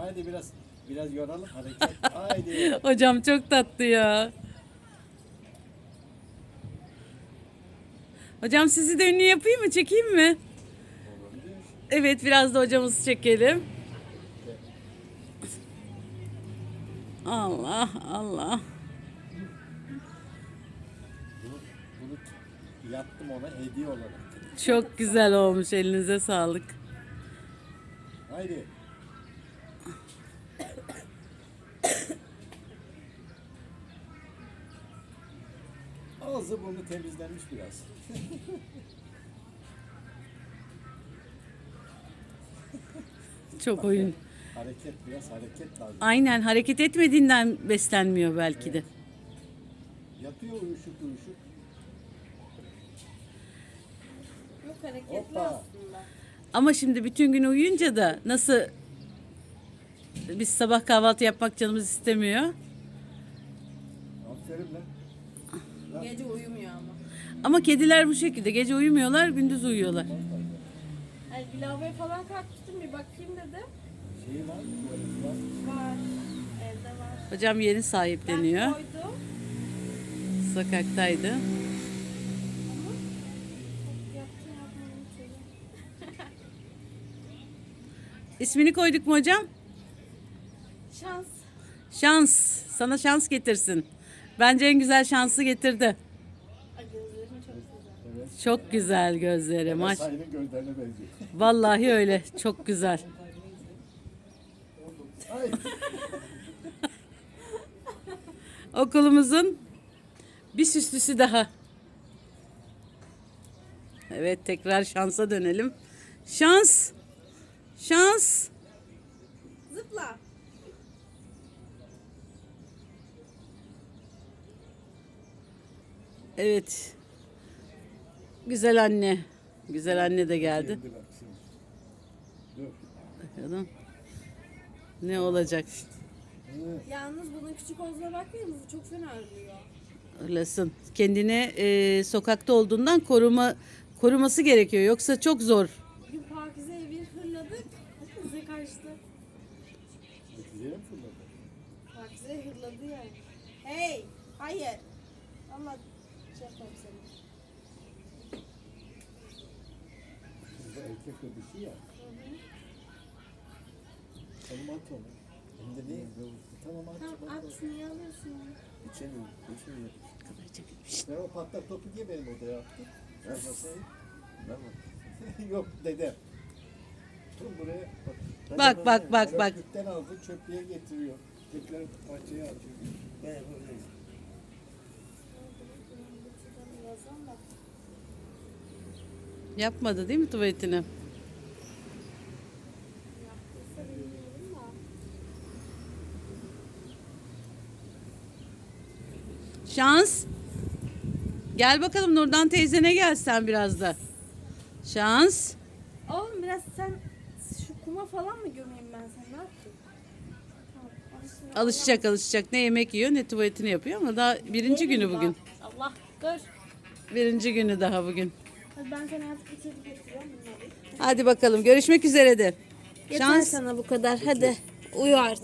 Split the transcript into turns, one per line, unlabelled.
Haydi biraz yoralım hareket. Haydi.
Hocam çok tatlı ya. Hocam sizi de ünlü yapayım mı? Çekeyim mi? Evet, biraz da hocamızı çekelim. Allah Allah.
Bunu yaptım ona hediye olarak.
Çok güzel olmuş. Elinize sağlık.
Haydi. Ağzı burnu temizlenmiş biraz.
Çok oyun.
Biraz hareket lazım.
Aynen, hareket etmediğinden beslenmiyor belki de.
Yatıyor uyuşuk.
Yok hareketli
Hoppa.
aslında.
Ama şimdi bütün gün uyuyunca da nasıl biz sabah kahvaltı yapmak canımız istemiyor.
Aferin lan.
Gece uyumuyor ama.
Ama kediler bu şekilde. Gece uyumuyorlar, gündüz uyuyorlar.
Yani bir lavaboya falan kalkmıştım bir bakayım dedim.
Şey var mı? Tuvaleti var.
Var. Evde var.
Hocam yeni
Ben
sahipleniyor.
koydum.
Sokaktaydı.
Ama yaptım yapmadım çocuğum.
İsmini koyduk mu hocam?
Şans.
Şans. Sana şans getirsin. Bence en güzel şansı getirdi.
Ay gözlerim çok güzel.
Evet.
Çok güzel gözleri. Maş.
Sahibin gözlerine benziyor.
Vallahi öyle. Çok güzel.
Ay.
Okulumuzun bir süslüsü daha. Evet, tekrar şansa dönelim. Şans. Şans.
Zıpla.
Evet. Güzel anne. Güzel anne de geldi.
Geldi bak şimdi. Dur.
Bakalım. Ne olacak?
Yalnız bunun küçük olduğuna bakmayın. Bu çok fena ölüyor.
Öylesin. Kendine sokakta olduğundan koruması gerekiyor. Yoksa çok zor.
Bugün Pakize'ye bir hırladık. Bize kaçtı.
Neticeye mi fırladı?
Pakize hırladı yani. Hey! Hayır! Allah şey yapalım seni.
Burada erkek ve dişi ya. Tamam at onu. Hem de ne? Tamam at.
Tamam at niye alıyorsun onu?
İçemiyorum. Ben o patlak topu niye benim odaya attın? Ben masayı. Ben mi? Yok dedem. Dur buraya.
Bak.
Kökten aldı çöplüğe getiriyor. Tekrar bahçeye atıyor. Ben buradayım.
Yazan da.
Yapmadı değil mi tuvaletini?
Yaptıysa bilmiyorum da.
Şans. Gel bakalım, Nurdan teyzene gel sen biraz da. Şans.
Oğlum biraz sen şu kuma falan mı gömeyim ben sen ne yapayım? Tamam,
Alışacak. Ne yemek yiyor ne tuvaletini yapıyor ama daha birinci günü bugün.
Allah dur.
Birinci günü daha bugün.
Hadi ben sana yatıp bitirip getiriyorum bunları.
Hadi bakalım, görüşmek üzere de.
Yeter sana bu kadar hadi uyu artık.